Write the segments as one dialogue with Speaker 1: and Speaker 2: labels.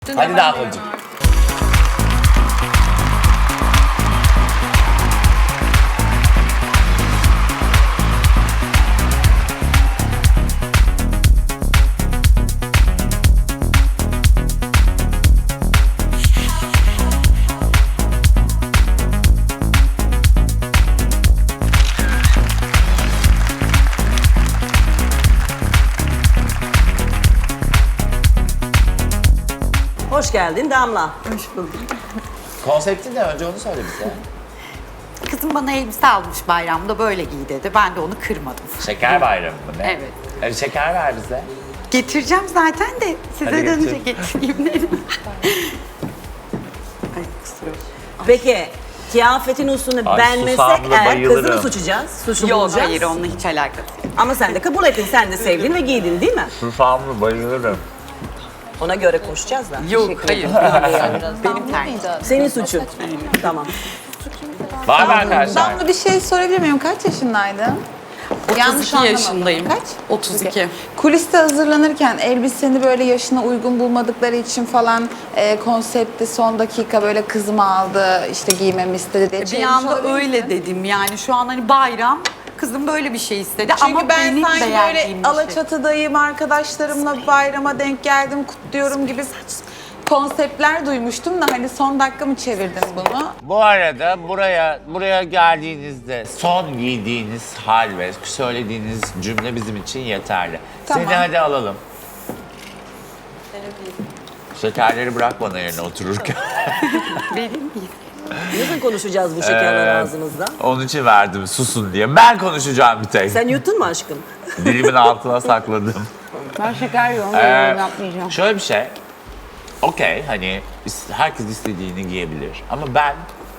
Speaker 1: Hadi daha konucuk.
Speaker 2: Hoş geldin Damla.
Speaker 3: Hoş bulduk.
Speaker 1: Konsepti ne? Önce onu söyle bize.
Speaker 3: Kızım bana elbise almış bayramda böyle giy dedi. Ben de onu kırmadım.
Speaker 1: Şeker bayramı mı ne?
Speaker 3: Evet.
Speaker 1: Şeker ver bize.
Speaker 3: Getireceğim zaten de size
Speaker 1: Hadi
Speaker 3: dönünce
Speaker 1: getir.
Speaker 3: getireyim dedim. Ay kusura bakma.
Speaker 2: Peki kıyafetin üstüne
Speaker 1: Ay,
Speaker 2: beğenmesek
Speaker 1: susamlı
Speaker 2: eğer kızı mı
Speaker 1: bayılırım.
Speaker 2: suçacağız? Suçlu
Speaker 3: Yok
Speaker 2: bulacağız.
Speaker 3: hayır onunla hiç alakası yok.
Speaker 2: Ama sen de kabul ettin, sen de sevdin ve giydin değil mi?
Speaker 1: Susamlı bayılırım.
Speaker 2: Ona göre konuşacağız da.
Speaker 3: Yok hayır. Benim tercihim.
Speaker 2: Senin suçun. Tamam.
Speaker 1: Var mı arkadaşlar?
Speaker 4: Damla bir şey sorabilir miyim? Kaç yaşındaydın?
Speaker 3: 32 yaşındayım.
Speaker 4: Kaç?
Speaker 3: 32.
Speaker 4: Kuliste hazırlanırken elbiseni böyle yaşına uygun bulmadıkları için falan konsepti son dakika böyle kızım aldı işte giymemi istedi diye.
Speaker 3: Bir
Speaker 4: çevirmiş
Speaker 3: anda
Speaker 4: olabilir
Speaker 3: öyle
Speaker 4: misin?
Speaker 3: dedim yani şu an hani bayram kızım böyle bir şey istedi
Speaker 4: Çünkü
Speaker 3: ama
Speaker 4: ben
Speaker 3: benim
Speaker 4: sanki böyle
Speaker 3: beğendiğim bir şey.
Speaker 4: Alaçatı'dayım, arkadaşlarımla bayrama denk geldim, kutluyorum gibi konseptler duymuştum da hani son dakika mı çevirdin bunu?
Speaker 1: Bu arada buraya geldiğinizde son giydiğiniz hal ve söylediğiniz cümle bizim için yeterli.
Speaker 4: Tamam.
Speaker 1: Seni hadi alalım. Şekerleri bırak bana yerine otururken.
Speaker 3: Benim değil.
Speaker 2: Nasıl konuşacağız bu şekerler ağzımızda?
Speaker 1: Onun için verdim susun diye. Ben konuşacağım bir tek.
Speaker 2: Sen yuttun mu aşkım?
Speaker 1: Dilimin altına sakladım.
Speaker 5: Ben şeker yiyorum, yapmayacağım.
Speaker 1: Şöyle bir şey. Okey hani herkes istediğini giyebilir. Ama ben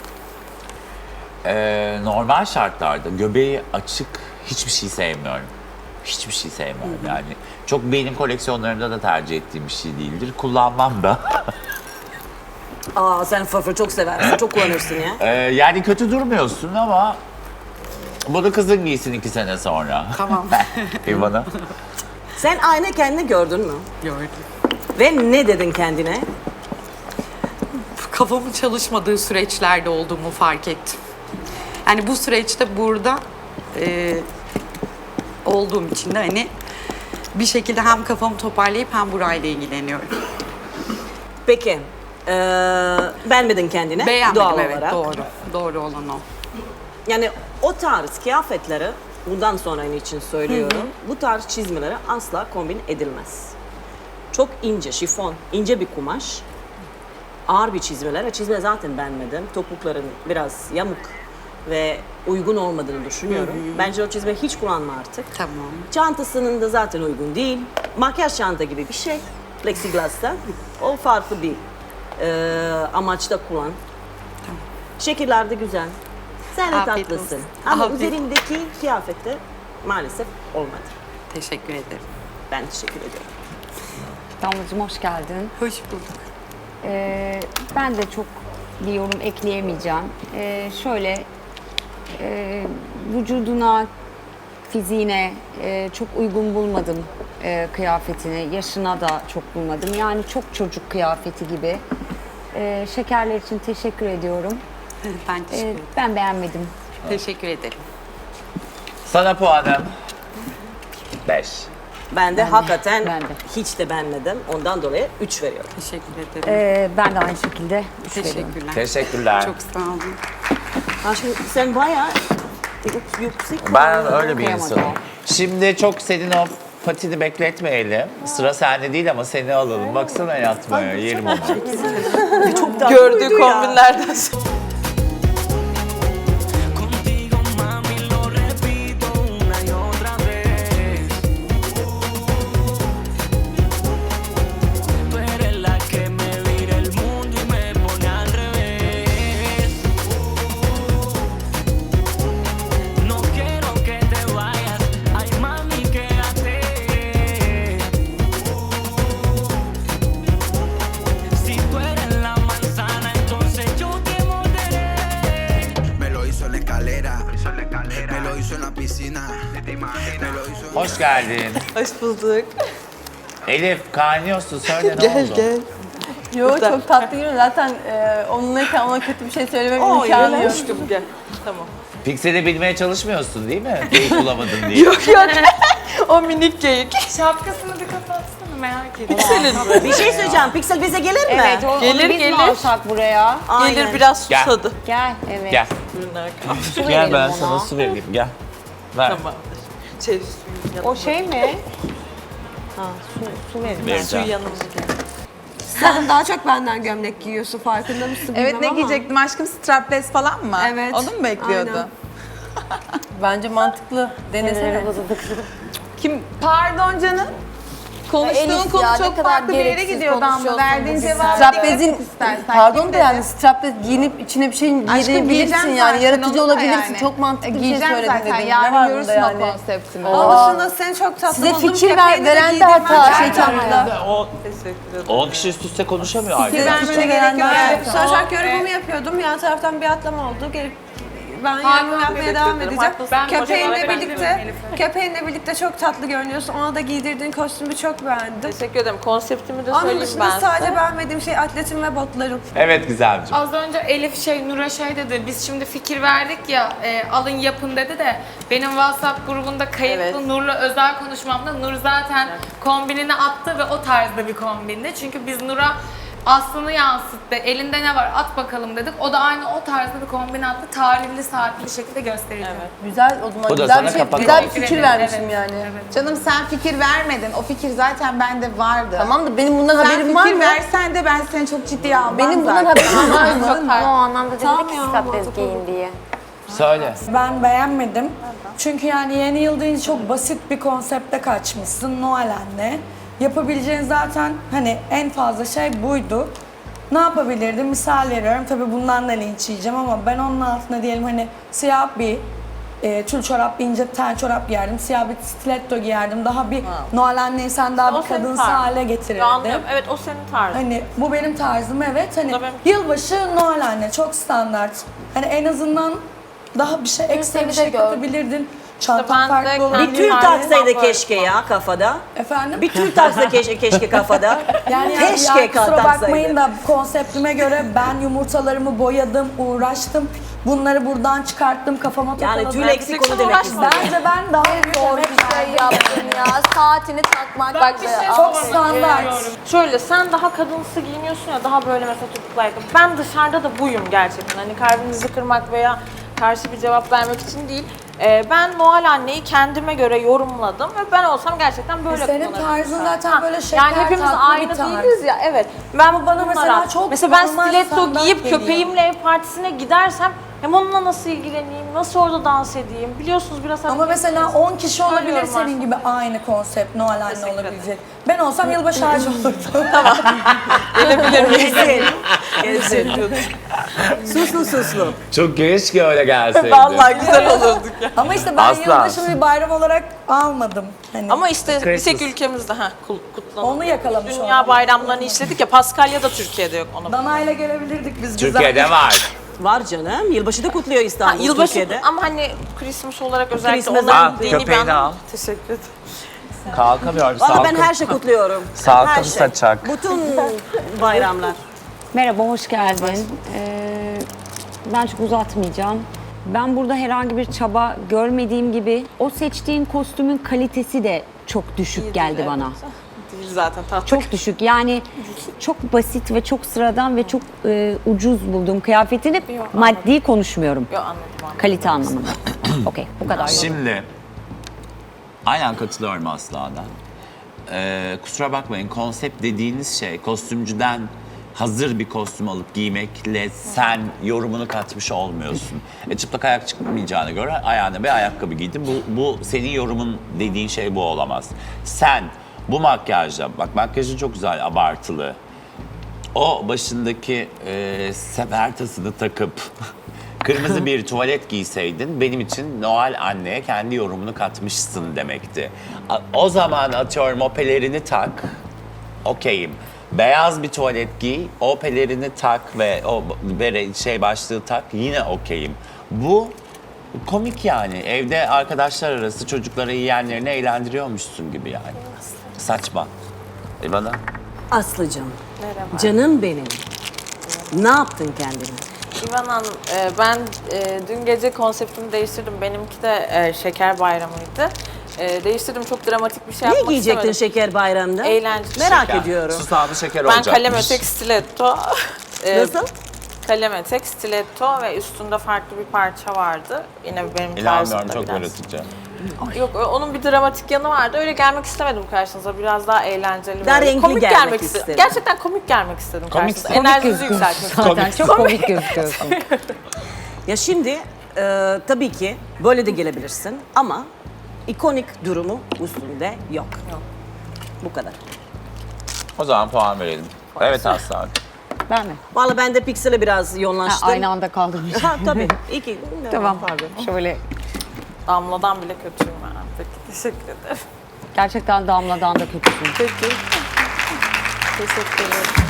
Speaker 1: normal şartlarda göbeği açık hiçbir şey sevmiyorum. Hiçbir şey sevmiyorum yani. Çok benim koleksiyonlarımda da tercih ettiğim bir şey değildir. Kullanmam da.
Speaker 2: Aa sen fırfır çok seversin, çok kullanırsın ya.
Speaker 1: Yani kötü durmuyorsun ama bunu kızın giysin 2 sene sonra.
Speaker 3: Tamam.
Speaker 1: İvana.
Speaker 2: Sen ayna kendini gördün mü?
Speaker 3: Gördüm.
Speaker 2: Ve ne dedin kendine?
Speaker 3: Kafamın çalışmadığı süreçlerde olduğumu fark ettim. Yani bu süreçte burada olduğum için de hani bir şekilde hem kafamı toparlayıp hem burayla ilgileniyorum.
Speaker 2: Peki, beğenmedin kendine
Speaker 3: Beğenmedim
Speaker 2: doğal
Speaker 3: evet
Speaker 2: olarak.
Speaker 3: doğru. Doğru olan o.
Speaker 2: Yani o tarz kıyafetleri bundan sonra için söylüyorum. Bu tarz çizmeleri asla kombin edilmez. Çok ince, şifon, ince bir kumaş. Ağır bir çizmeler. Çizme zaten beğenmedim. Topukların biraz yamuk ve uygun olmadığını düşünüyorum. Bence o çizme hiç kullanma artık.
Speaker 3: Tamam.
Speaker 2: Çantasının da zaten uygun değil. Makyaj çanta gibi bir şey. Plexiglass'ta. O farklı bir amaçta kullan. Şekiller de güzel. Sen de
Speaker 3: Afiyet
Speaker 2: tatlısın.
Speaker 3: olsun.
Speaker 2: Ama
Speaker 3: Afiyet.
Speaker 2: üzerindeki kıyafette maalesef olmadı.
Speaker 3: Teşekkür ederim.
Speaker 2: Ben teşekkür ediyorum.
Speaker 5: Damlacığım hoş geldin.
Speaker 3: Hoş bulduk.
Speaker 5: Ben de çok bir yorum ekleyemeyeceğim. Şöyle, vücuduna, fiziğine çok uygun bulmadım kıyafetini. Yaşına da çok bulmadım. Yani çok çocuk kıyafeti gibi. Şekerler için teşekkür ediyorum.
Speaker 3: Ben teşekkür ederim.
Speaker 5: Ben beğenmedim.
Speaker 3: Teşekkür ederim.
Speaker 1: Sana puanım 5.
Speaker 2: Ben de hakikaten
Speaker 5: ben de.
Speaker 2: hiç de beğenmedim. Ondan dolayı 3 veriyorum.
Speaker 3: Teşekkür ederim.
Speaker 5: Ben de aynı şekilde üç veriyorum.
Speaker 3: Teşekkürler.
Speaker 1: Teşekkürler.
Speaker 3: Çok sağ olun.
Speaker 2: Aşkım sen bayağı yüksek.
Speaker 1: Ben öyle bir
Speaker 5: Okuyamadım.
Speaker 1: insanım. Şimdi çok senin o patini bekletmeyelim. Sıra sende değil ama seni alalım. Baksana yatmaya, yerim onu.
Speaker 2: Çok daha
Speaker 4: Gördüğü
Speaker 2: uydu ya.
Speaker 4: kombinlerden sonra.
Speaker 6: Contigo, mami, lo repito una y otra vez. Tú eres la que me vira el mundo y me pone al revés. No quiero que te vayas, ay mami, quédate. Si tú eres la manzana, entonces yo te morderé.
Speaker 7: Me lo hizo en la escalera, me lo hizo en la piscina, me lo hizo en
Speaker 1: Hoş geldin.
Speaker 4: Hoş bulduk.
Speaker 1: Elif, kaynıyorsun. Söyle ne
Speaker 4: Gel
Speaker 1: oldu?
Speaker 4: gel.
Speaker 8: Yo çok tatlı geliyor. Zaten onunlayken ona kötü bir şey söylemem
Speaker 2: O
Speaker 8: imkanı yok.
Speaker 2: aşkım gel. Tamam.
Speaker 1: Piksel'i bilmeye çalışmıyorsun değil mi? Geyik bulamadın diye.
Speaker 8: Yok. O minik geyik.
Speaker 3: Şapkasını bir kapatsana, merak ediyorum.
Speaker 2: Bir şey söyleyeceğim. Piksel bize gelir mi?
Speaker 5: Evet, onu
Speaker 8: Gelir,
Speaker 5: biz mi
Speaker 8: gelir.
Speaker 5: alsak buraya?
Speaker 2: Aynen.
Speaker 8: Gelir biraz
Speaker 1: Gel.
Speaker 8: susadı.
Speaker 5: Gel, evet.
Speaker 1: Gel.
Speaker 5: Su
Speaker 1: Gel
Speaker 5: verelim
Speaker 1: ben
Speaker 5: ona.
Speaker 1: sana su vereyim. Gel. Ver.
Speaker 5: O şey mi? Ha, su verin.
Speaker 1: Vereceğim.
Speaker 9: Sen daha çok benden gömlek giyiyorsun, farkında mısın
Speaker 4: Evet,
Speaker 9: bilmem
Speaker 4: ne
Speaker 9: ama.
Speaker 4: giyecektim aşkım? Strapless falan mı?
Speaker 9: Evet.
Speaker 4: Onu mu bekliyordu?
Speaker 9: Aynen.
Speaker 8: Bence mantıklı. Denesene.
Speaker 4: Kim? Pardon canım. Konuştuğun
Speaker 9: Elif
Speaker 4: konu
Speaker 9: ya, ne
Speaker 4: çok
Speaker 9: kadar
Speaker 4: farklı bir yere
Speaker 9: gereksiz
Speaker 4: gidiyordu ama
Speaker 9: konuşuyorsun
Speaker 4: verdiğin
Speaker 9: bugün
Speaker 4: cevabı
Speaker 9: sen.
Speaker 8: Straplez'in,
Speaker 4: istersen.
Speaker 8: pardon
Speaker 4: Kim
Speaker 8: da yani
Speaker 4: dedi?
Speaker 8: straplez giyinip içine bir şey giyebilirsin
Speaker 4: giyeceğim
Speaker 8: yani.
Speaker 4: zaten,
Speaker 8: Yaratıcı
Speaker 4: onu da
Speaker 8: olabilirsin.
Speaker 4: yani.
Speaker 8: Çok mantıklı bir şey
Speaker 4: Giyeceğim
Speaker 8: söyledin
Speaker 4: zaten.
Speaker 8: dedim. Ne
Speaker 4: Yarın
Speaker 8: var
Speaker 4: görürsün
Speaker 8: bunda
Speaker 4: o
Speaker 8: yani?
Speaker 4: konseptimi.
Speaker 8: Aa.
Speaker 4: dışında seni çok tatlı
Speaker 8: Size
Speaker 4: buldum.
Speaker 8: fikir
Speaker 4: Köpeğini de
Speaker 8: veren de
Speaker 4: giydirmem
Speaker 8: hata.
Speaker 4: lazım.
Speaker 8: Şey tatlı.
Speaker 1: 10 kişi üst üste konuşamıyor
Speaker 8: Fikir
Speaker 1: arkadaşlar.
Speaker 8: vermene gerek yok.
Speaker 9: Saçak yorumu yapıyordum. Yan taraftan bir atlama oldu. Gelip ben yorumu yapmaya devam edeceğim. Köpeğinle birlikte çok tatlı görünüyorsun. Ona da giydirdiğin kostümü çok beğendim.
Speaker 8: Teşekkür ederim. Konseptimi de
Speaker 9: Onun
Speaker 8: söyleyeyim
Speaker 9: dışında
Speaker 8: ben
Speaker 9: sadece
Speaker 8: size.
Speaker 9: beğenmediğim şey atletim ve botlarım.
Speaker 1: Evet Gizemciğim.
Speaker 3: Az önce Elif Nur'a şey dedi, biz şimdi fikir verdik ya, alın yapın dedi de benim WhatsApp grubunda kayıtlı
Speaker 8: Evet.
Speaker 3: Nur'la özel konuşmamda Nur zaten kombinini attı ve o tarzda bir kombindi. Çünkü biz Nur'a aslını yansıttı, elinde ne var at bakalım dedik. O da aynı o tarzda bir kombin attı, tarihli saatli bir şekilde gösterildi.
Speaker 8: Güzel o zaman.
Speaker 1: Bu da
Speaker 8: Güzel
Speaker 1: sana
Speaker 8: bir şey,
Speaker 1: kapak
Speaker 8: güzel bir
Speaker 1: oldu.
Speaker 8: fikir
Speaker 3: Evet,
Speaker 8: vermişim
Speaker 3: evet,
Speaker 8: yani.
Speaker 3: evet.
Speaker 4: Canım sen fikir vermedin. O fikir zaten bende vardı.
Speaker 8: Tamam da benim bundan
Speaker 4: Sen
Speaker 8: haberim var
Speaker 4: fikir
Speaker 8: mı?
Speaker 4: versen de ben seni çok ciddiye almam
Speaker 8: Benim bundan
Speaker 4: zaten.
Speaker 8: haberim var mı?
Speaker 5: Ama o anlamda dedi
Speaker 9: Tamam
Speaker 5: ki
Speaker 9: ya,
Speaker 5: strapless
Speaker 9: mantıklı.
Speaker 5: giyin diye.
Speaker 1: Söyle.
Speaker 10: Ben beğenmedim. Çünkü yani yeni yıl deyince çok basit bir konsepte kaçmışsın. Noel anne. Yapabileceğin zaten hani en fazla şey buydu. Ne yapabilirdim? Misal veriyorum. Tabii bundan da linç yiyeceğim ama ben onun altına diyelim hani siyah bir tül çorap, bir ince ten çorap giyerdim. Siyah bir stiletto giyerdim. Daha bir Noel anneyi sen daha
Speaker 8: O
Speaker 10: bir
Speaker 8: senin
Speaker 10: kadınsı
Speaker 8: tarzın.
Speaker 10: hale getirirdim.
Speaker 8: Anlıyorum. Evet o senin tarzın.
Speaker 10: Hani bu benim tarzım evet. Hani
Speaker 8: da benim.
Speaker 10: yılbaşı Noel anne çok standart. Hani en azından daha bir şey ekstra bir şey katabilirdin. Çantan
Speaker 8: ben de
Speaker 10: farklı olabilir.
Speaker 2: Bir tül
Speaker 8: Aynen.
Speaker 2: taksaydı
Speaker 8: Aynen.
Speaker 2: keşke ya kafada.
Speaker 10: Efendim?
Speaker 2: Bir tül taksa keşke kafada.
Speaker 10: Yani
Speaker 2: keşke
Speaker 10: ya, kusura bakmayın
Speaker 2: taksaydı.
Speaker 10: da konseptime göre ben yumurtalarımı boyadım, uğraştım. Bunları buradan çıkarttım, kafama takaladım.
Speaker 2: Yani tül eksik onu demek istedim.
Speaker 10: Bence ben daha zor bir şey
Speaker 9: yaptın ya. Saatini takmak. Bak
Speaker 10: Çok standart.
Speaker 8: Şöyle sen daha kadınsı giyiniyorsun ya daha böyle mesela topuklu ayakkabı. Ben dışarıda da buyum gerçekten. Hani kalbinizi kırmak veya karşı bir cevap vermek için değil. Ben Noel anneyi kendime göre yorumladım ve ben olsam gerçekten böyle
Speaker 10: Senin
Speaker 8: kullanırım.
Speaker 10: tarzın zaten
Speaker 8: Ha,
Speaker 10: böyle şeker
Speaker 8: yani hepimiz
Speaker 10: tatlı
Speaker 8: aynı
Speaker 10: bir tarz.
Speaker 8: değiliz ya. Evet. Ben
Speaker 10: bana mesela çok
Speaker 8: mesela ben
Speaker 10: normal
Speaker 8: stiletto
Speaker 10: standart
Speaker 8: giyip
Speaker 10: geliyor.
Speaker 8: köpeğimle ev partisine gidersem hem onunla nasıl ilgileneyim, nasıl orada dans edeyim? Biliyorsunuz biraz
Speaker 10: Ama mesela 10 kişi olabilir
Speaker 8: Söylüyorum
Speaker 10: senin
Speaker 8: aslında.
Speaker 10: gibi aynı konsept Noel anne olabilecek. Ben olsam yılbaşı ağacı olurdum.
Speaker 2: Gezin. Suslu.
Speaker 1: Çok keşke öyle gelseydi.
Speaker 8: Vallahi güzel olurduk ya.
Speaker 10: Ama işte ben
Speaker 1: Asla.
Speaker 10: yılbaşını bir bayram olarak almadım. Hani
Speaker 8: Ama işte bir tek
Speaker 1: Christmas.
Speaker 8: ülkemizde kutlanıyor.
Speaker 10: Onu yakalamış
Speaker 8: Dünya
Speaker 10: olduk.
Speaker 8: bayramlarını işledik ya. Paskalya da Türkiye'de yok ona.
Speaker 10: Dana'yla gelebilirdik biz.
Speaker 1: Türkiye'de var.
Speaker 2: Var canım. Yılbaşı da kutluyor İstanbul,
Speaker 8: Yılbaşı
Speaker 2: Türkiye'de.
Speaker 8: ama hani Christmas olarak özellikle
Speaker 2: Christmas
Speaker 8: onların
Speaker 1: al,
Speaker 8: dini
Speaker 1: köpeğini
Speaker 8: bir anlamı.
Speaker 1: al.
Speaker 8: Teşekkür ederim.
Speaker 1: Kalkamıyor.
Speaker 2: Valla ben her şey kutluyorum.
Speaker 1: Salkım
Speaker 2: Her şey.
Speaker 1: saçak.
Speaker 2: Bütün bayramlar.
Speaker 5: Merhaba, hoş geldin. Ben çok uzatmayacağım. Ben burada herhangi bir çaba görmediğim gibi o seçtiğin kostümün kalitesi de çok düşük geldi bana.
Speaker 8: Değil zaten tatlı.
Speaker 5: Çok düşük. Yani çok basit ve çok sıradan ve çok ucuz buldum kıyafetini. Maddi konuşmuyorum.
Speaker 8: Yok anladım.
Speaker 5: Kalite anlamında. Okey, bu kadar.
Speaker 1: Şimdi aynen katılıyorum Aslı'na. Kusura bakmayın konsept dediğiniz şey kostümcüden hazır bir kostüm alıp giymekle sen yorumunu katmış olmuyorsun. Çıplak ayak çıkmayacağına göre ayağına bir ayakkabı giydin. Bu senin yorumun dediğin şey bu olamaz. Sen bu makyajla, bak makyajın çok güzel abartılı. O başındaki sefer tasını takıp kırmızı bir tuvalet giyseydin benim için Noel anneye kendi yorumunu katmışsın demekti. O zaman atıyorum o pelerini tak, okeyim. Beyaz bir tuvalet giy, o pelerini tak ve o başlığı tak yine okeyim. Bu komik yani. Evde arkadaşlar arası çocuklara yiyenlerini eğlendiriyormuşsun gibi yani. Saçma. Bana?
Speaker 2: Aslıcığım,
Speaker 8: Merhaba.
Speaker 2: Canım benim. Ne yaptın kendine?
Speaker 8: İvan Hanım, ben dün gece konseptimi değiştirdim. Benimki de şeker bayramıydı. Değiştirdim, çok dramatik bir şey
Speaker 2: Ne
Speaker 8: yapmak
Speaker 2: giyecektin
Speaker 8: istemedim.
Speaker 2: şeker bayramda?
Speaker 8: Eğlenceli.
Speaker 2: Merak ediyorum.
Speaker 1: Susamlı şeker
Speaker 8: Ben
Speaker 1: olacakmış.
Speaker 8: kalem etek stiletto.
Speaker 2: Nasıl?
Speaker 8: Kalem etek, stiletto ve üstünde farklı bir parça vardı. Yine benim
Speaker 1: İnanmıyorum,
Speaker 8: tarzımda
Speaker 1: çok
Speaker 8: biraz.
Speaker 1: yaratıcı.
Speaker 8: Yok, onun bir dramatik yanı vardı. Öyle gelmek istemedim karşınıza. Biraz daha eğlenceli.
Speaker 2: Daha
Speaker 8: böyle.
Speaker 2: renkli
Speaker 8: komik
Speaker 2: gelmek
Speaker 8: istedim.
Speaker 2: istedim.
Speaker 8: Gerçekten komik gelmek istedim
Speaker 1: Komiksin.
Speaker 8: karşınıza. Enerjinizi yükseltmek istedim.
Speaker 5: Zaten çok komik gözüküyorsun.
Speaker 2: Ya şimdi tabii ki böyle de gelebilirsin ama ikonik durumu üstünde yok. Bu kadar.
Speaker 1: O zaman puan verelim. Evet Aslı.
Speaker 5: Ben mi?
Speaker 2: Vallahi ben de Pixel'e biraz
Speaker 5: Ha,
Speaker 2: yoğunlaştım.
Speaker 5: aynı anda kaldırmış.
Speaker 2: Ha tabii. İki.
Speaker 5: Tamam.
Speaker 2: Pardon.
Speaker 5: Şöyle
Speaker 8: Damladan bile kötüyüm ben. Peki, teşekkür ederim.
Speaker 5: gerçekten Damla'dan da kötüsün.
Speaker 8: Peki. Teşekkür ederim.